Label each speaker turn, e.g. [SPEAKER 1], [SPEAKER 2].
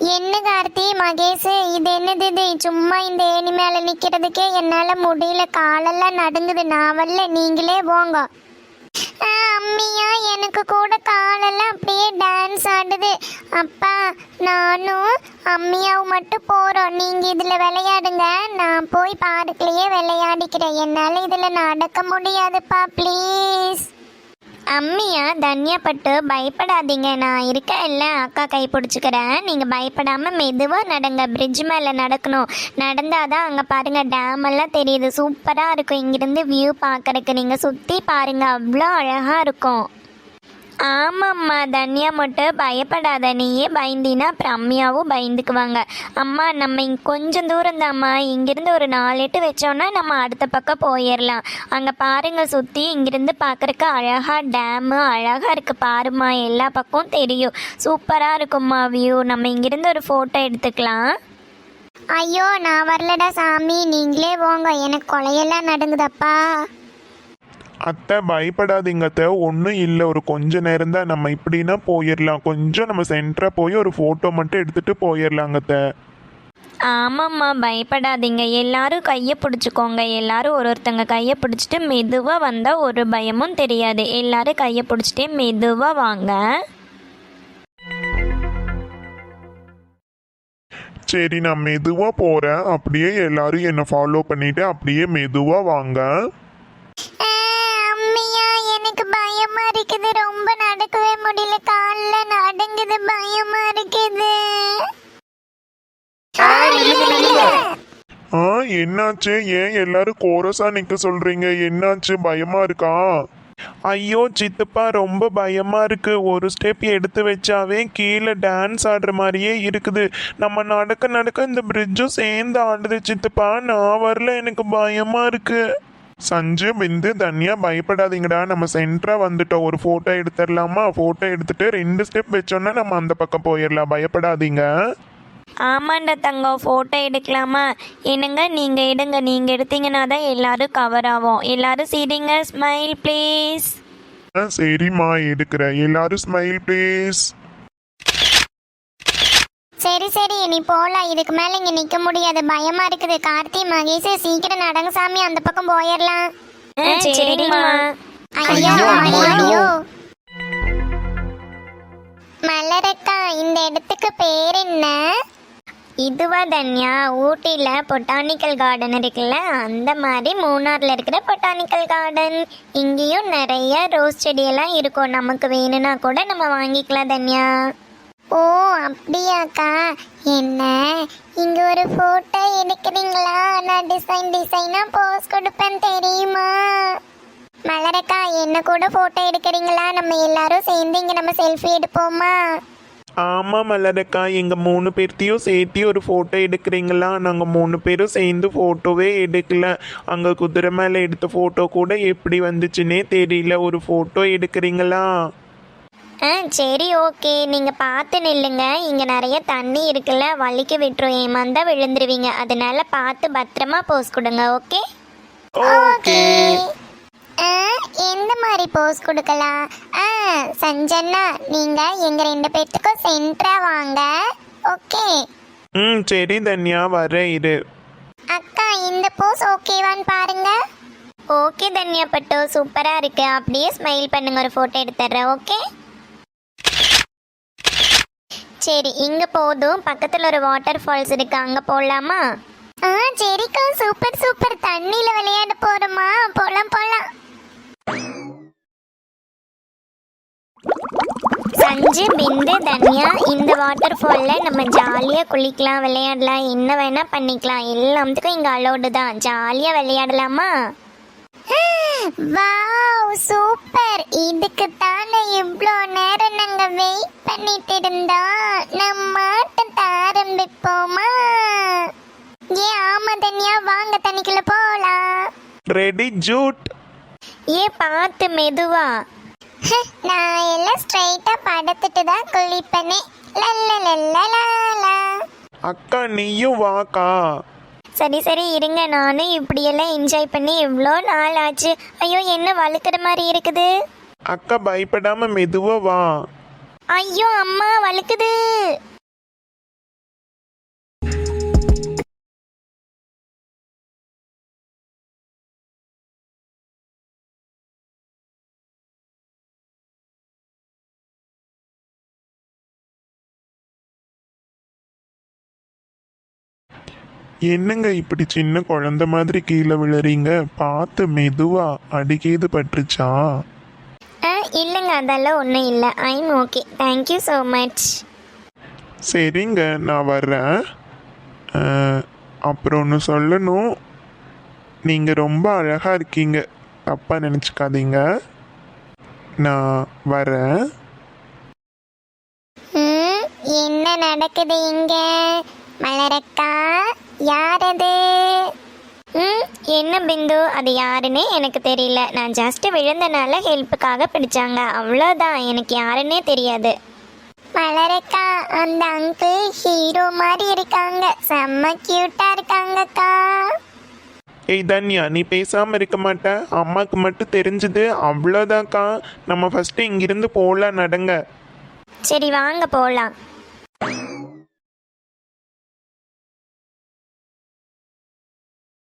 [SPEAKER 1] என்ன கார்த்தி மகேஷ், இது என்னது இது? சும்மா இந்த ஏணி மேல நிக்கிறதுக்கே என்னால முடியல, காலெல்லாம் நடுங்குது. நான் வரல, நீங்களே போங்க. அம்மியா, எனக்கு கூட காலெல்லாம் அப்படியே டான்ஸ் ஆடுது. அப்பா, நானும் அம்மியாவும் மட்டும் போறோம். நீங்க இதுல விளையாடுங்க, நான் போய் பார்க்லயே விளையாடிக்கிறேன். என்னால இதுல நடக்க முடியாதுப்பா, ப்ளீஸ். அம்மியா, தன்யா பட்டு பயப்படாதீங்க, நான் இருக்க இல்லை. அக்கா கை பிடிச்சிக்கிறேன், நீங்கள் பயப்படாமல் மெதுவாக நடங்க. பிரிட்ஜ் மேலே நடக்கணும். நடந்தாதான் அங்கே பாருங்கள், டேம் எல்லாம் தெரியுது. சூப்பராக இருக்கும் இங்கிருந்து வியூ பார்க்கறதுக்கு. நீங்கள் சுற்றி பாருங்கள், அவ்வளோ அழகாக இருக்கும். ஆமாம்மா, தன்யா மட்டும் பயப்படாத. நீயே பயந்தினா அப்புறம் அம்மியாவும் பயந்துக்குவாங்க. அம்மா, நம்ம கொஞ்சம் தூரம் தான்ம்மா, இங்கிருந்து ஒரு 4 எட்டு வச்சோன்னா நம்ம அடுத்த பக்கம் போயிடலாம். அங்கே பாருங்க, சுற்றி இங்கிருந்து பார்க்குறக்கு அழகாக டேமு அழகாக இருக்குது பாருமா. எல்லா பக்கமும் தெரியும், சூப்பராக இருக்கும்மா வியூ. நம்ம இங்கிருந்து ஒரு ஃபோட்டோ எடுத்துக்கலாம். ஐயோ, நான் வரலடா சாமி, நீங்களே போங்க, எனக்கு கொலையெல்லாம் நடுங்குதப்பா.
[SPEAKER 2] அத்தை பயப்படாதீங்க அத்தை, ஒன்றும் இல்லை. ஒரு கொஞ்ச நேரம் தான், நம்ம இப்படின்னா போயிடலாம். கொஞ்சம் நம்ம சென்டராக போய் ஒரு ஃபோட்டோ மட்டும் எடுத்துகிட்டு போயிடலாங்க அத்தை.
[SPEAKER 3] ஆமாம்மா, பயப்படாதீங்க. எல்லாரும் கையை பிடிச்சிக்கோங்க. எல்லாரும் ஒருத்தங்க கையை பிடிச்சிட்டு மெதுவாக வந்தால் ஒரு பயமும் தெரியாது. எல்லாரும் கையை பிடிச்சிட்டே மெதுவாக வாங்க.
[SPEAKER 2] சரி, நான் மெதுவாக போகிறேன். அப்படியே எல்லாரும் என்னை ஃபாலோ பண்ணிவிட்டு அப்படியே மெதுவாக வாங்க.
[SPEAKER 1] எனக்கு பயமா இருக்குது, ரொம்ப நடக்கவே முடியல, கால்ல நடுங்குது, பயமா இருக்குது.
[SPEAKER 2] என்னாச்சு? ஏன் எல்லாரும் கோரஸா நிக்க சொல்றீங்க? என்னாச்சு, பயமா இருக்கா? ஐயோ சித்தப்பா, ரொம்ப பயமா இருக்கு. ஒரு ஸ்டெப் எடுத்து வச்சாவே கீழே டான்ஸ் ஆடுற மாதிரியே இருக்குது. நம்ம நடக்க நடக்க இந்த பிரிட்ஜும் சேர்ந்து ஆடுது சித்தப்பா. நான் வரல, எனக்கு பயமா இருக்கு. சஞ்சு, பிந்து, தன்யா பயப்படாதீங்கடா. நம்ம சென்டரா வந்துட்டோம். ஒரு ஃபோட்டோ எடுத்துடலாமா? ஃபோட்டோ எடுத்துட்டு 2 ஸ்டெப் வச்சோன்னா நம்ம அந்த பக்கம் போயிடலாம். பயப்படாதீங்க.
[SPEAKER 3] ஆமாண்டா தங்கம், ஃபோட்டோ எடுக்கலாமா? என்னங்க, நீங்கள் எடுங்க. நீங்கள் எடுத்தீங்கன்னா தான் எல்லாரும் கவர் ஆகும். எல்லாரும் சிரிங்க, ஸ்மைல் ப்ளீஸ்.
[SPEAKER 2] சரிம்மா, எடுக்கிறேன். எல்லாரும் ஸ்மைல் ப்ளீஸ்.
[SPEAKER 1] சரி சரி, நீ போலாம். இதுக்கு மேல இங்க நிக்க முடியாது, பயமா இருக்குது. கார்த்தி, மகேஷ், சீக்கிரம் நடங்க சாமி, அந்த பக்கம் போயிடலாம்.
[SPEAKER 3] சரிம்மா.
[SPEAKER 1] ஐயோ ஐயோ. மலரக்கா, இந்த இடத்துக்கு பேர் என்ன?
[SPEAKER 3] இதுவா தன்யா, ஊட்டியில் பொட்டானிக்கல் கார்டன் இருக்குல்ல, அந்த மாதிரி மூணாரில் இருக்கிற பொட்டானிக்கல் கார்டன். இங்கேயும் நிறைய ரோஸ் செடியெல்லாம் இருக்கும். நமக்கு வேணும்னா கூட நம்ம வாங்கிக்கலாம் தன்யா.
[SPEAKER 1] ஓ அப்படியாக்கா. என்ன, இங்க ஒரு போட்டோ எடுக்கிறீங்களா? நான் டிசைனா போஸ் கொடுப்பேன் தெரியுமா? மலரக்கா, என்ன கூட போட்டோ எடுக்கிறீங்களா? நம்ம எல்லாரும் சேர்ந்து இங்க நம்ம செல்ஃபி எடுப்போமா?
[SPEAKER 2] ஆமா மலரக்கா, எங்க 3 பேர்த்தையும் சேர்த்து ஒரு ஃபோட்டோ எடுக்கிறீங்களா? நாங்கள் 3 பேரும் சேர்ந்து ஃபோட்டோவே எடுக்கல. அங்கே குதிரை மேலே எடுத்த ஃபோட்டோ கூட எப்படி வந்துச்சுன்னே தெரியல. ஒரு ஃபோட்டோ எடுக்கிறீங்களா?
[SPEAKER 3] சரி, ஓகே. நீங்கள் பார்த்து நில்லுங்க. இங்கே நிறைய தண்ணி இருக்குல்ல, வலிக்கு விட்டுரும், ஏமாந்தா விழுந்துருவீங்க. அதனால பார்த்து பத்திரமா போஸ் கொடுங்க. Okay
[SPEAKER 2] okay.
[SPEAKER 1] எந்த மாதிரி போஸ் கொடுக்கலாம்? சஞ்சனா, நீங்க எங்க 2 பேர்த்துக்கும் சென்டரா வாங்க. ஓகே.
[SPEAKER 2] சரி தன்யா, வர இரு.
[SPEAKER 1] அக்கா, இந்த போஸ் ஓகேவான்னு பாருங்க.
[SPEAKER 3] ஓகே தன்யா பட்டு, சூப்பராக இருக்கு. அப்படியே ஸ்மைல் பண்ணுங்க, ஒரு ஃபோட்டோ எடுத்துடுறேன். ஓகே. சரி, இங்கே போதும். பக்கத்தில் ஒரு வாட்டர் ஃபால்ஸ் இருக்கு, அங்கே போடலாமா?
[SPEAKER 1] சரிக்கா, சூப்பர் சூப்பர். தண்ணியில விளையாட போறோமா? போலாம் போலாம்.
[SPEAKER 3] சஞ்சு, பிந்து, தன்யா, இந்த வாட்டர் ஃபாலில் நம்ம ஜாலியாக குளிக்கலாம், விளையாடலாம், என்ன வேணால் பண்ணிக்கலாம். எல்லாத்துக்கும் இங்கே அலோடு தான். ஜாலியாக விளையாடலாமா?
[SPEAKER 1] Wow, super. இதுக்கு தானே இவ்வளோ நேரம் நாங்க வெயிட் பண்ணிட்டு இருந்தோம். நம்ம ஆட்டத்தை ஆரம்பிப்போமா? ஆமா தன்யா, வாங்க தண்ணிக்குள்ள போலாம்.
[SPEAKER 2] ரெடி ஜூட்.
[SPEAKER 3] பார்த்து மெதுவா.
[SPEAKER 1] நான் எல்லாம் ஸ்ட்ரைட்டா படுத்துட்டு தான் குளிப்பனே.
[SPEAKER 2] அக்கா, நீயும் வாக்கா.
[SPEAKER 3] சரி சரி, இருங்க. நானும் இப்படியெல்லாம் என்ஜாய் பண்ணி எவ்வளோ நாள் ஆச்சு. ஐயோ, என்ன வழுக்கிற மாதிரி இருக்குது.
[SPEAKER 2] அக்கா, பயப்படாம மெதுவா வா.
[SPEAKER 3] ஐயோ அம்மா, வழுக்குது.
[SPEAKER 2] என்னங்க இப்படி சின்ன குழந்தை மாதிரி கீழே விழுறீங்க? பார்த்து மெதுவா, அடிக்கீது பட்டுருச்சா?
[SPEAKER 3] இல்லைங்க, அதெல்லாம் ஒன்றும் இல்லை. I'm okay, thank you so much.
[SPEAKER 2] சரிங்க, நான் வர்றேன். அப்புறம் ஒன்று சொல்லணும், நீங்கள் ரொம்ப அழகாக இருக்கீங்க, தப்பாக நினச்சிக்காதீங்க. நான் வரேன்.
[SPEAKER 1] என்ன நடக்குது இங்க? மலரக்கா, யார் அது?
[SPEAKER 3] என்ன பிந்து, அது யாருன்னே எனக்கு தெரியல. நான் ஜஸ்ட் விழுந்தனால ஹெல்ப்புக்காக பிடிச்சாங்க, அவ்வளோதான். எனக்கு யாருன்னே தெரியாது.
[SPEAKER 1] மலரக்கா, அந்த அங்கிள் ஹீரோ மாதிரி இருக்காங்க, செம்ம கியூட்டா இருக்காங்கக்கா.
[SPEAKER 2] ஏய் தன்யா, நீ பேசாமல் இருக்க மாட்ட? அம்மாவுக்கு மட்டும் தெரிஞ்சுது அவ்வளோதான்க்கா. நம்ம ஃபஸ்ட்டு இங்கிருந்து போகலாம், நடங்க.
[SPEAKER 3] சரி வாங்க போகலாம்.